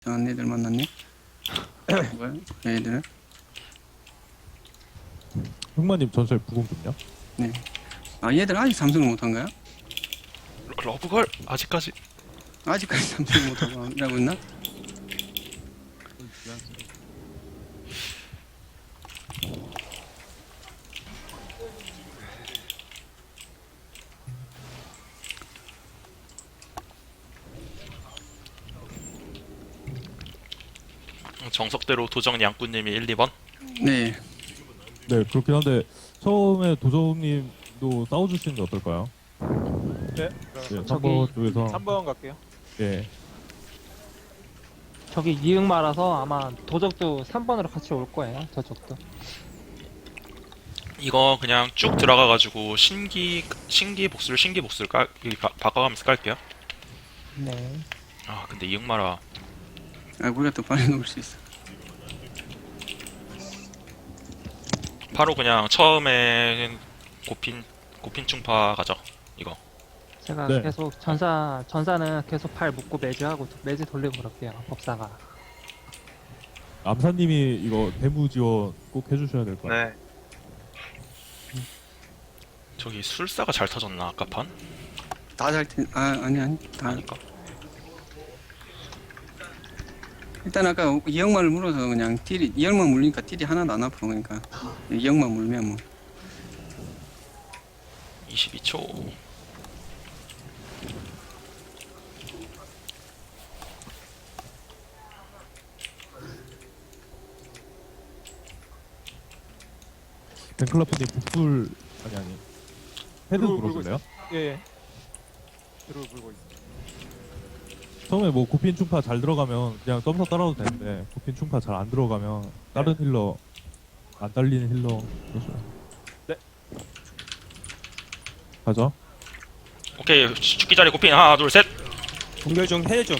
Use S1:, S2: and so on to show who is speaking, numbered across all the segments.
S1: 이상한 애들 만났네. 뭐야? 얘들은?
S2: 흑마님 전설 부공 좀요?
S1: 네. 아 얘들 아직 삼성을 못한 거야?
S3: 러브걸 아직까지
S1: 아직까지 삼성을 못하고 하고 있나?
S3: 정석대로 도정 양꾼님이 1, 2번.
S1: 네.
S2: 네, 그렇긴 한데 처음에 도저님도 싸워주시는 게 어떨까요?
S4: 네.
S2: 네, 3번 쪽에서
S4: 3번 갈게요.
S2: 네,
S5: 저기 이응마라서 아마 도적도 3번으로 같이 올 거예요. 저쪽도.
S3: 이거 그냥 쭉 들어가가지고 신기 복수를 바꿔가면서 깔게요.
S5: 네.
S3: 아 근데 이응마라
S1: 아 우리가 더 빨리 놓을 수 있어.
S3: 바로 그냥 처음에 고핀 충파 가죠. 이거
S5: 제가
S2: 네.
S5: 계속 전사는 계속 팔 묶고 매주하고 매주 돌리고 그럴게요. 법사가.
S2: 암사님이 이거 대무 지원 꼭 해주셔야 될 것 같아요.
S4: 네.
S3: 저기 술사가 잘 터졌나 아까 판?
S1: 다 잘 텐. 아 아니 다.
S3: 아니까.
S1: 일단 아까 이형만을 물어서 그냥 딜이 이형만 물리니까 딜이 하나도 안 아파 그러니까 이형만 물면 뭐.
S3: 22초.
S2: 벤클라프님 북불 아니 헤드
S4: 불고
S2: 물어줄래요?
S4: 예, 예. 뒤로 불고 있어.
S2: 처음에 뭐 고핀 충파 잘 들어가면 그냥 점사 따라도 되는데 고핀 충파 잘 안 들어가면 다른 힐러 안 달리는 힐러 해줘요.
S4: 네.
S2: 가죠.
S3: 오케이 죽기 자리 고핀 하나 둘 셋.
S6: 동결 좀 해줘.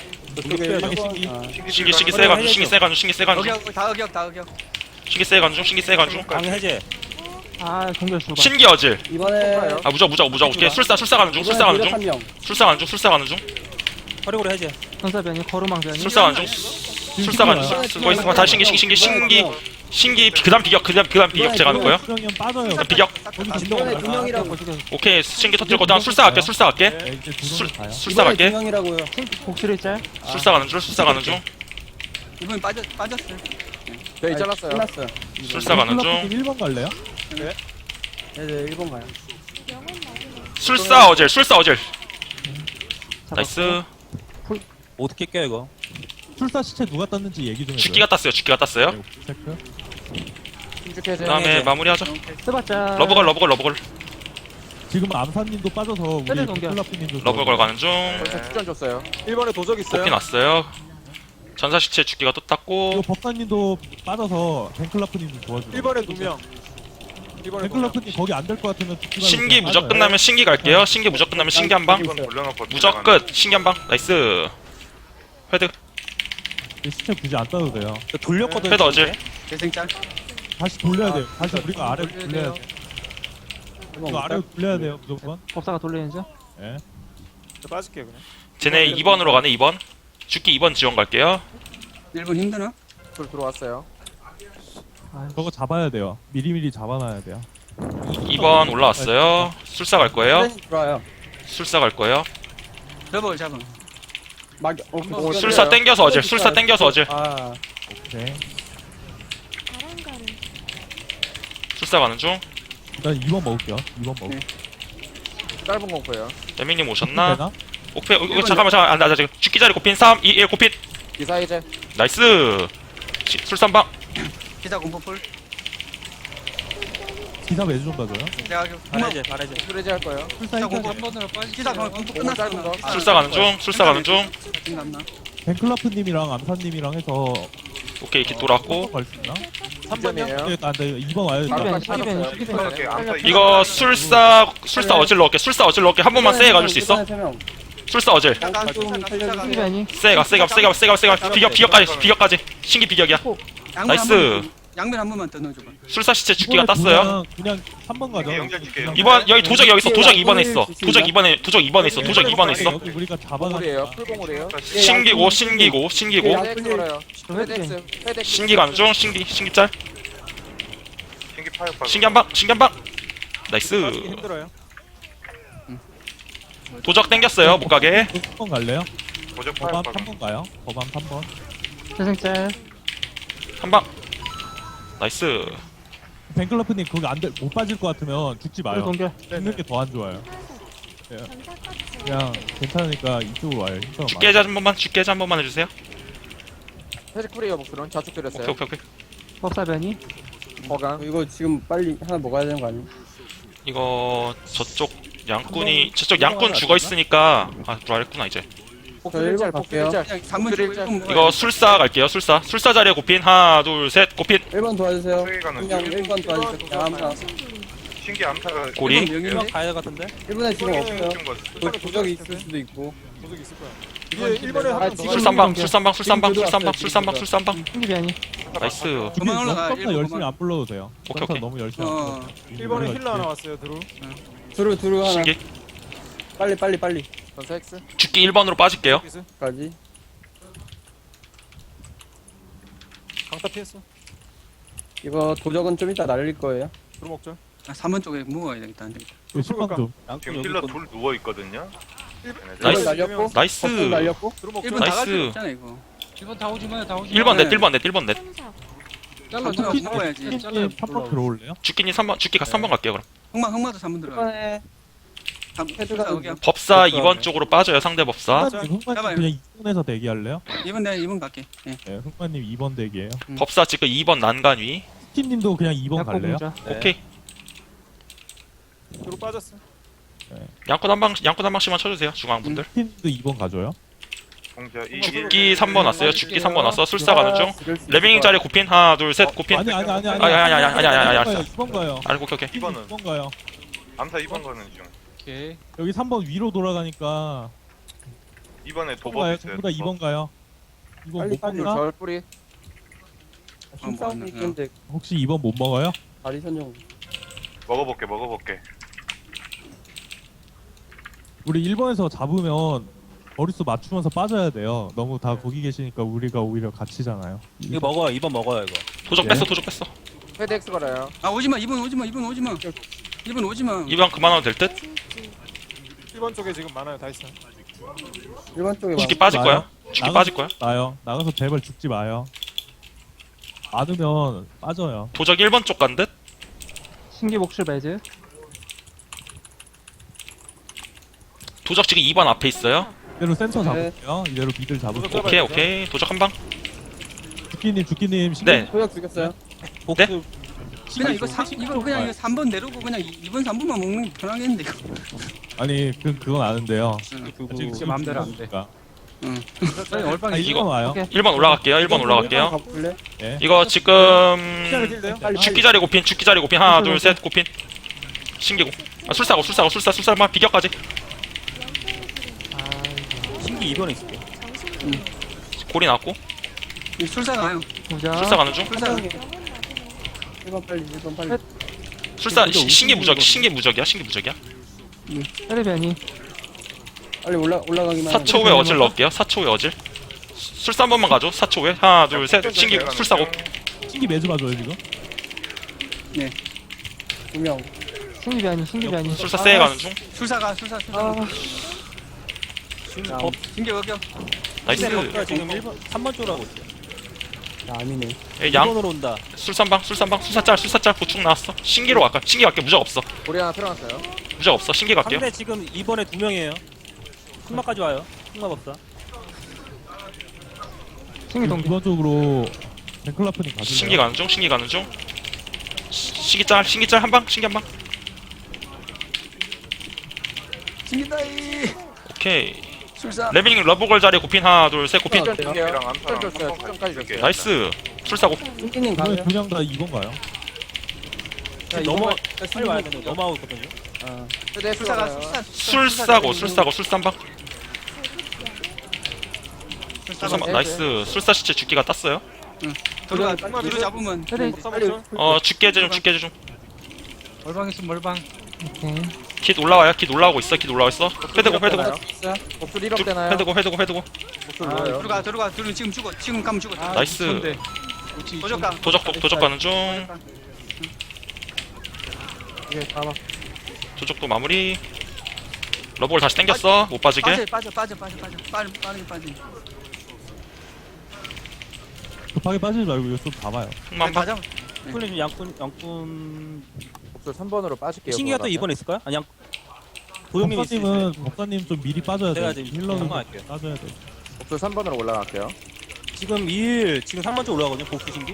S3: 신기 세간중 신기 세간중
S1: 어격 다 어격 다 어격.
S3: 신기 세간중
S6: 강 해제.
S5: 아 동결 수가.
S3: 신기 어질.
S7: 이번에
S3: 아 무적 오케이 술사 가는 중 술사 가는 중
S7: 한 명.
S3: 술사 가는 중
S6: 활용으로 해제.
S5: 전사변이 거루망변이.
S3: 술사 가는 중 술사 가는 중 쓰고 있어. 다시 신기 그다음 비격 제가 놓고요.
S2: 수령이 형 빠져요.
S3: 비격
S7: 이번에 두 명이라고.
S3: 오케이 신기 터뜨리고 다음 술사 갈게
S2: 네, 이제
S3: 술
S2: 도전 가요.
S3: 술사
S7: 이번에 두
S3: 갈게
S7: 명이라고요.
S5: 복수를 짤.
S3: 술사 가는 중
S1: 이번 빠졌어요.
S7: 네, 잘랐어요. 끝났어요.
S3: 술사 가는 중
S2: 1번 갈래요?
S7: 네, 네, 1번 가요.
S3: 술사 어질 나이스.
S6: 어떻게 깨 이거?
S2: 출사 시체 누가 땄는지 얘기 좀 해줘요.
S3: 죽기가 땄어요.
S2: 네, 체크.
S7: 신축해제.
S3: 그다음에 마무리하죠.
S5: 스바짤.
S3: 러브걸
S2: 지금 암사님도 빠져서 우리
S5: 헤드 동결.
S2: 벤클라프님도
S3: 러브걸 가는 중.
S7: 벌써 축전 줬어요.
S4: 1번에 도적 있어요.
S3: 뽑힌 왔어요. 전사 시체 죽기가 또
S2: 이거
S3: 땄고
S2: 법사님도 빠져서 벤클라프님도 도와줘요.
S4: 1번에 2명. 1번에 2명.
S2: 벤클라프님 거기 안 될 것 같으면 죽지 말고
S3: 신기
S2: 그냥
S3: 무적
S2: 빠져요.
S3: 끝나면 신기 갈게요. 신기 무적 끝나면 신기 한 방. 무적 끝. 신기 한 방. 나이스. 헤드
S2: 시체 굳이 안 따도 돼요.
S6: 돌렸거든.
S3: 헤드 어질.
S1: 재생짤.
S2: 다시 돌려야 돼요. 다시 우리가 아래로
S1: 돌려야
S2: 돌려야
S1: 돼요.
S2: 돼요. 이거 아래로 돌려야 돼요 무조건.
S5: 법사가 돌리는 중.
S2: 예.
S4: 저 빠질게요 그냥.
S3: 쟤네 2번으로 가네 2번. 죽기 2번 지원 갈게요.
S1: 1번 힘드나?
S7: 들어왔어요.
S2: 저거 잡아야 돼요. 미리미리 잡아놔야 돼요.
S3: 2번 올라왔어요. 술사 갈 거예요.
S7: 들어와요.
S3: 술사 갈 거예요.
S1: 러버를 잡아.
S7: 막
S3: 술사 땡겨서 어질. 술사 땡겨서 어질.
S7: 아,
S2: 오케이.
S3: 술사 가는 중.
S2: 일단 2번 먹을게요. 2번 먹을게요.
S7: 짧은 공포예요.
S3: 레밍님 오셨나?
S2: 되나?
S3: 오케이. 잠깐만. 나 지금 죽기 자리 고핀 3, 2, 1 고핀.
S7: 기사 해제.
S3: 나이스. 술산방.
S1: 기사 공포풀.
S2: 기사 매주 좀 봐줘요.
S1: 내가
S6: 발해제. 발해제.
S7: 술 해제 할 거예요.
S2: 출사
S1: 기사
S2: 일단
S1: 공포 기사 공포
S7: 공포 짧은
S1: 끝났어.
S7: 거.
S3: 술사 가는 중. 술사 가는 중.
S1: 생각나.
S2: 벤클라프님이랑 암사님이랑 해서
S3: 오케이. 이렇게 돌았고.
S2: 갈수 있나?
S7: 3번이에요.
S2: 네, 안 돼. 2번 와야 돼.
S5: 시기변이.
S3: 이거 술사 어질 넣을게. 술사 어질 넣을게. 한 번만 세게 가줄 수 있어? 술사 어질.
S1: 약간 좀 살려주세요.
S5: 시기변이.
S3: 세가 비격까지 신기 비격이야. 나이스.
S1: 양면 한 번만 더 넣어줘봐.
S3: 술사 시체 죽기가
S2: 이번에
S3: 땄어요.
S2: 그냥 3번 가죠.
S8: 연결 줄게요.
S2: 그냥
S3: 이번 여기 도적 여기 있어. 도적 2번에 있어. 도적 2번에 도적 2번에 있어. 도적 2번에 있어.
S2: 여기 우리가
S7: 공울이에요.
S2: 잡아가니까
S7: 풀공울이에요.
S3: 신기고 신기고 신기고
S7: 헤덱스 걸어요. 헤덱스. 헤덱스.
S3: 신기 가는 신기 짤.
S8: 신기 파역 봐.
S3: 신기 한 방. 신기 한 방. 나이스.
S4: 빠지기 힘들어요.
S3: 도적 땡겼어요. 못 가게.
S2: 3번 갈래요?
S8: 도적
S2: 법안
S8: 파역 봐.
S2: 3번 가요? 법안 3번.
S5: 태생짤.
S3: 한 방. 나이스.
S2: 벤클러프님 거기 못 빠질 것 같으면 죽지
S5: 불
S2: 마요.
S5: 동결.
S2: 죽는 게 더 안 좋아요. 예. 그냥 괜찮으니까 이쪽으로 와요. 힘싸움
S3: 죽게 해자 한 번만. 죽게 해자 한 번만 해주세요.
S7: 헤덱 쿨이에요. 목표는 좌측
S3: 오케이
S7: 드렸어요.
S3: 오케이 오케이.
S5: 법사 변이.
S7: 거강.
S1: 이거 지금 빨리 하나 먹어야 되는 거 아니야?
S3: 이거 저쪽 양꾼 죽어 있으니까 들어왔구나 이제.
S7: 복수 짤. 복수 짤.
S1: 그냥 3번 주고 1번
S3: 이거 술사 갈게요. 술사 자리에 고핀 하나 둘 셋 고핀
S1: 1번 도와주세요.
S8: 세개 가는
S1: 그냥
S8: 중.
S1: 1번 도와주세요. 그냥 아무나.
S8: 신기 암사가
S3: 고리.
S6: 이번 가야 같은데?
S1: 1번에 지금 없어요.
S8: 좀 거.
S1: 도적이 있을 수도 있고.
S4: 도적 있을 거야. 이게 1번에 하나 더
S3: 술산방.
S5: 신기 변이.
S3: 나이스.
S1: 그만 올라가,
S2: 점사
S1: 일번
S2: 열심히
S1: 그만.
S2: 안 불러도 돼요.
S3: 오케이,
S2: 점사
S3: 오케이.
S2: 너무 열심히
S1: 어.
S2: 안 불러도 돼요.
S4: 1번에 힐러 하나 왔어요. 드루.
S1: 두루 하나.
S3: 신기.
S1: 빨리.
S7: 전사 X.
S3: 죽기 1번으로 빠질게요.
S1: 까지.
S4: 강타 피했어.
S1: 이거 도적은 좀 이따 날릴 거예요.
S4: 드루 먹자.
S1: 3번 쪽에 먹어야 되겠다. 안 되겠다.
S2: 10번 좀.
S8: 지금 힐러 둘 누워 있거든요.
S3: 나이스.
S1: 날렸고.
S3: 나이스.
S1: 버튼 날렸고.
S4: 드루 먹자.
S1: 1번 나갈 필요
S3: 나이스.
S1: 없잖아 이거.
S9: 1번 다 오지 마요, 다 오지
S3: 1번
S1: 네.
S3: 넷 1번 넷.
S9: 잘라,
S1: 버튼
S9: 잘라.
S1: 먹어야지.
S2: 3번 들어올래요?
S3: 죽기님 3번 죽기 3번 갈게요 그럼.
S1: 흑마도 3번 들어가. 헤드가 여기야.
S3: 법사 2번 쪽으로 빠져요 상대 법사.
S2: 흥마님
S1: 잡아요.
S2: 그냥 2번에서 대기할래요?
S1: 2번 내가 2번 갈게. 예.
S2: 네, 흥마님 2번 대기예요.
S3: 법사 지금 2번 난간 위.
S2: 스팀님도 그냥 2번
S5: 약고
S2: 갈래요?
S5: 공자.
S3: 오케이.
S4: 드루 빠졌어.
S3: 양꾼 한 방씩만 쳐주세요 중앙분들.
S2: 스팀도 2번 가져요?
S8: 공자 이
S3: 죽기 3번 왔어요. 죽기 3번 왔어. 술사 가는 중. 레벨링 자리 고핀 하나 둘 셋 고핀.
S2: 아니.
S3: 아니.
S2: 2번 가요.
S3: 알고 오케이.
S8: 2번은
S2: 2번 가요.
S8: 암사 2번 가는 중.
S9: 오케이.
S2: 여기 3번 위로 돌아가니까
S8: 2번에
S2: 2번
S8: 도법
S2: 가요.
S8: 있어요.
S2: 전부 다 2번 가요. 이거 못
S7: 빨리
S2: 먹나?
S7: 절 뿌리.
S1: 힘싸움이 있는데
S2: 혹시 2번 못 먹어요?
S1: 다리 선정.
S8: 먹어볼게.
S2: 우리 1번에서 잡으면 머릿수 맞추면서 빠져야 돼요. 너무 다 거기 계시니까 우리가 오히려 갇히잖아요.
S6: 이거 먹어요. 2번 먹어요 이거.
S3: 도적 뺐어.
S7: 헤덱스 걸어요.
S1: 아 오지마 2번 오지마. 2번 오지마.
S3: 2번 그만하면 될 듯.
S4: 1번 쪽에 지금 많아요. 다 있어.
S1: 1번 쪽에
S3: 죽기 빠질 거야. 죽기
S2: 나가-
S3: 빠질 거야.
S2: 나요. 나가서 제발 죽지 마요. 많으면 빠져요.
S3: 도적 1번 쪽 간 듯.
S5: 신기 목줄 매즈.
S3: 도적 지금 2번 앞에 있어요.
S2: 이대로 센터 잡을게요. 이대로 미들 잡을게요.
S3: 오케이. 도적 한 방.
S2: 죽기님
S3: 네.
S1: 도적 죽였어요.
S6: 복수
S1: 그냥 이거 3번 내려고 그냥 2번 3번만 먹는 게 편하겠는데 이거.
S2: 아니 그건 아는데요.
S5: 그거 제 맘대로 안 돼.
S2: 얼빵
S3: 이거-
S2: 와요.
S5: 오케이.
S3: 1번 올라갈게요. 1번 올라갈게요.
S1: 가볼래?
S3: 이거 지금
S1: 빨리
S3: 죽기 자리 고핀 하나 둘 셋 고핀. 신기고. 술사만 비격까지.
S6: 신기 2번에 있을게.
S3: 고리 나왔고.
S1: 술사 가요.
S5: 공자.
S3: 술사 가는 중.
S1: 술사. 1번 빨리.
S3: 술사 신기 무적이야.
S5: 헤드 변이.
S1: 빨리 올라가기만.
S3: 4초 후에 어질 넣을게요. 4초 후에 어질. 술사 한 번만 가죠. 4초 후에 하나 둘 셋 신기 술사고.
S2: 신기 매주 봐줘요 지금.
S1: 2명.
S5: 신기 변이.
S3: 술사 세게 가는 중.
S1: 술사. 신기 여기요.
S3: 나이스.
S6: 지금 1번 3번 쪽으로 하고 있어.
S1: 아니네.
S3: 양
S6: 2번으로 온다.
S3: 술산방 술사짤 보충 나왔어. 신기로 갈까? 신기 갈게. 무적 없어.
S7: 고리 하나 틀어놨어요.
S3: 신기 갈게요.
S6: 상대 지금 2번에 2명이에요. 흑마까지 와요. 흑마 법사.
S5: 신기 동결.
S2: 기본적으로 벤클라프님 가줄래요?
S3: 신기 가는 중. 신기 짤 한 방.
S1: 신기다이.
S3: 오케이.
S1: 술사.
S3: 레벨링 러브걸 자리에 고핀 하나 둘 셋 고핀.
S7: 출전 줄게요.
S8: 암사랑 암사랑
S7: 출전 줬어요.
S8: 한
S7: 출전까지
S8: 번
S7: 줬어요.
S3: 나이스. 술사고.
S1: 신기님
S2: 이번에
S1: 가요.
S2: 두명 다 2번 가요.
S6: 넘어 빨리 와야 되는 거 넘어가고 있거든요.
S7: 헤덱스
S1: 술사가
S7: 걸어요.
S3: 술사고 술산방. 술산방 나이스. 술사 시체 죽기가 땄어요.
S1: 들어가
S4: 흑마
S1: 뒤로
S4: 미드.
S1: 잡으면
S5: 헤드
S4: 법사 목줄.
S3: 죽게제 좀 죽게제 좀.
S9: 멀방 있으면 멀방.
S5: 오케이.
S3: 킷 올라와요. 킷 올라오고 있어. 킷 올라와 있어. 회대고 회대고
S7: 목줄 1업 되나요?
S3: 회대고 회대고 회대고.
S7: 목줄 뭐예요?
S1: 들어가 지금 죽어 지금 가면 죽어.
S3: 나이스.
S9: 좋은데. 그렇지.
S1: 도적가
S3: 도적 가는 중.
S7: 이게 봐봐.
S3: 도적도 마무리. 러브를 다시 당겼어. 못 빠지게.
S1: 빠져 빠르게 빠져.
S2: 급하게 빠지지 말고 이거 좀 봐봐요.
S3: 흑만 봐.
S1: 가자.
S6: 쿨님 양꾼
S7: 목줄 3번으로 빠질게요.
S6: 신기가 또
S7: 그거
S6: 2번에 있을까요? 아니 양 도영님이
S2: 법사님은 법사님 좀 미리 빠져야 돼.
S6: 제가 지금
S2: 힐러는
S6: 상관할게요.
S2: 빠져야 돼.
S7: 목줄 3번으로 올라갈게요.
S6: 지금 3번 쪽 올라가거든요. 복수 신기.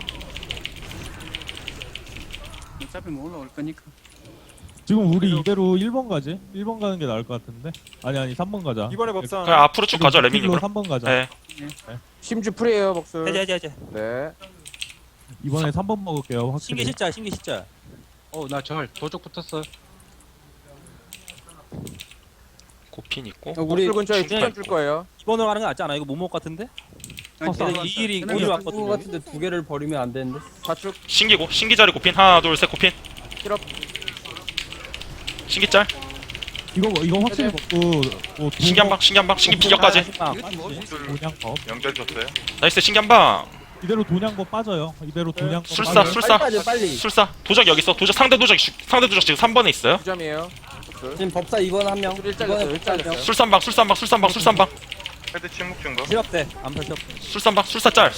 S1: 어차피 뭐 올라올 거니까.
S2: 지금 우리 이대로 1번 가지? 1번 가는 게 나을 것 같은데? 아니 3번 가자.
S4: 이번에 법사.
S3: 그냥 앞으로 쭉 가죠. 레밍이 그럼.
S2: 3번 가자.
S3: 네.
S7: 심주 프리에요 목줄.
S6: 해제.
S7: 네.
S2: 이번에 3번 먹을게요. 확실히.
S6: 신기 실자.
S9: 나 절 도적 붙었어.
S3: 고핀 있고.
S7: 목줄 근처에
S3: 중간
S7: 추천 줄 거예요.
S6: 2번으로 가는 거 낫지 않아요? 이거 못 먹을 것 같은데? 이 일이 오늘 왔거든요.
S10: 같은데 두 개를 버리면 안 되는데.
S7: 좌측
S3: 신기고 신기 자리 고핀 하나 둘 셋 고핀.
S7: 힐업.
S3: 신기 짤.
S2: 이거 확실히 먹고 뭐
S3: 신기 한 방. 신기 한 방. 신기 비격까지.
S2: 돈양법
S8: 연결 줬어요.
S3: 나이스 신기 한 방.
S2: 이대로 돈양법 빠져요. 이대로 돈양법
S3: 술사
S2: 빠져요.
S3: 술사
S10: 빨리.
S3: 술사. 도적 여기 있어. 도적 상대 도적 지금 3번에 있어요.
S7: 2점이에요. 목줄.
S10: 지금 법사 2번 한 명.
S7: 목줄 1 잘렸어요. 1 잘렸어요.
S3: 술산방.
S8: 헤드 침묵 준 거.
S6: 실업대. 안 펼쳐.
S3: 술산방 술사 짤.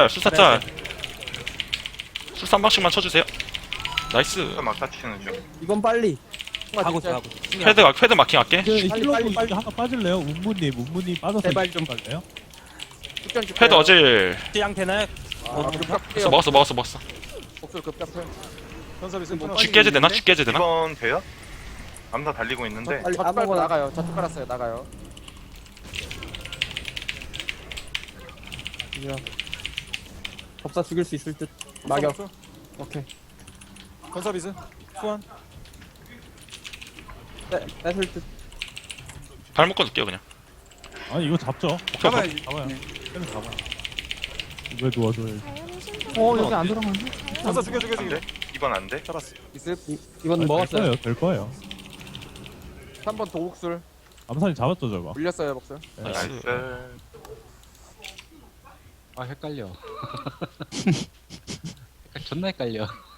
S3: 술산방씩만 쳐주세요. 나이스.
S8: 막다 치는 중.
S10: 이번 빨리.
S6: 하고 있어.
S3: 헤드 마킹 할게.
S2: 이제 힐러도
S10: 빨리.
S2: 이제 하나 빠질래요? 운문님 빠져서
S10: 제발
S2: 좀 갈래요?
S7: 축전 줄게요.
S3: 헤드 어질.
S6: 양 되나요?
S7: 급각 프리에요.
S3: 먹었어.
S7: 목줄 급각 프리.
S4: 전사 미스 끊어.
S3: 죽게제 되나?
S8: 2번 돼요? 암사 달리고 있는데
S10: 빨리
S7: 좌측 깔고
S10: 아무거나.
S7: 나가요. 좌측 깔았어요. 나가요.
S10: 법사 죽일 수 있을 듯. 막역.
S4: 목줄.
S10: 오케이.
S4: 전사 미스. 수완.
S10: 뺏을 듯.
S3: 발 묶어 줄게요 그냥.
S2: 아니 이거 잡죠.
S1: 잡아야지.
S2: 잡아요.
S1: 네.
S2: 잡아. 왜 도와줘요?
S5: 여기 안 들어갔네.
S4: 전사 죽여.
S8: 안 돼? 2번 안 돼?
S4: 잡았어.
S7: 이습.
S10: 이번 먹었어요.
S2: 될 거예요.
S7: 3번 도국술.
S2: 암산이 잡았죠 저거.
S7: 물렸어요 목줄.
S3: 나이스.
S8: 나이스.
S9: 헷갈려. 존나 헷갈려.